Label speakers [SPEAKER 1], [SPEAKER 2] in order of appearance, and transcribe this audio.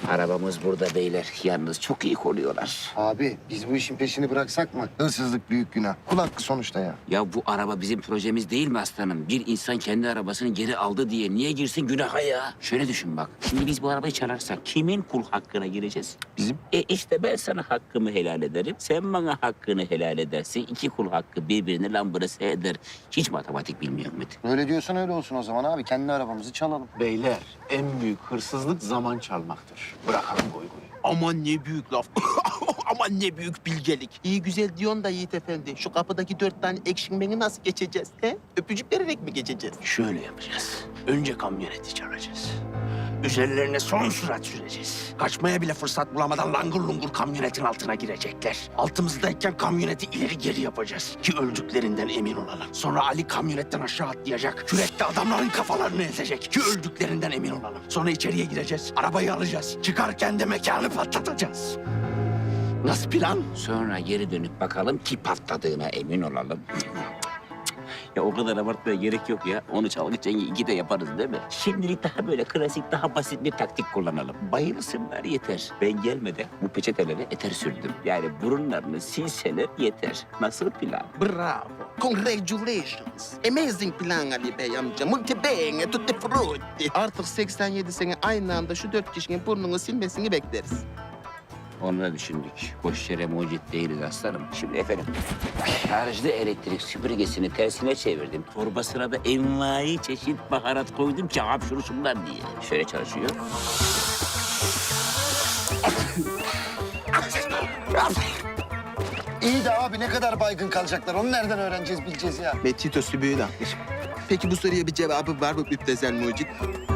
[SPEAKER 1] Arabamız burada beyler. Yalnız çok iyi koruyorlar.
[SPEAKER 2] Abi biz bu işin peşini bıraksak mı? Hırsızlık büyük günah. Kul hakkı sonuçta ya.
[SPEAKER 1] Ya bu araba bizim projemiz değil mi aslanım? Bir insan kendi arabasını geri aldı diye niye girsin günaha ya? Şöyle düşün bak. Şimdi biz bu arabayı çalarsak kimin kul hakkına gireceğiz?
[SPEAKER 2] Bizim.
[SPEAKER 1] İşte ben sana hakkımı helal ederim. Sen bana hakkını helal edersin. İki kul hakkı birbirini lambırası eder. Hiç matematik bilmiyor muydu?
[SPEAKER 2] Öyle diyorsan öyle olsun o zaman abi. Kendi arabamızı çalalım.
[SPEAKER 3] Beyler, en büyük hırsızlık zaman çalmaktır. Bırakalım goy goy. Aman ne büyük laf. Aman ne büyük bilgelik. İyi güzel diyorsun da Yiğit Efendi. Şu kapıdaki 4 tane ekşinmeni nasıl geçeceğiz? He? Öpücük vererek mi geçeceğiz?
[SPEAKER 1] Şöyle yapacağız.
[SPEAKER 3] Önce kamyoneti çalacağız. Üzerlerine son sürat süreceğiz. Kaçmaya bile fırsat bulamadan langır lungur kamyonetin altına girecekler. Altımızdayken kamyoneti ileri geri yapacağız ki öldüklerinden emin olalım. Sonra Ali kamyonetten aşağı atlayacak. Kürekle adamların kafalarını ezecek ki öldüklerinden emin olalım. Sonra içeriye gireceğiz. Arabayı alacağız. Çıkarken de mekanı patlatacağız. Nasıl plan?
[SPEAKER 1] Sonra geri dönüp bakalım ki patladığına emin olalım. Ya o kadar abartmaya gerek yok ya. Onu çalgı çengi iki de yaparız değil mi? Şimdilik daha böyle klasik, daha basit bir taktik kullanalım. Bayılsınlar yeter. Ben gelmeden bu peçeteleri eter sürdüm. Yani burunlarını silseler yeter. Nasıl plan?
[SPEAKER 3] Bravo. Congratulations. Amazing plan Ali Bey amca. Multi bene tutti frutti. Artık 87 sene aynı anda şu 4 kişinin burnunu silmesini bekleriz.
[SPEAKER 1] Onu da düşündük. Boş yere mucit değiliz aslanım. Şimdi efendim, şarjlı elektrik süpürgesini tersine çevirdim. Torbasına da envai çeşit baharat koydum ki hapşursunlar diye. Şöyle çalışıyor.
[SPEAKER 2] İyi de abi ne kadar baygın kalacaklar? Onu nereden öğreneceğiz, bileceğiz ya?
[SPEAKER 3] Betito sübüğü de atmış. Peki bu soruya bir cevabı var mı Müptezel Mucit?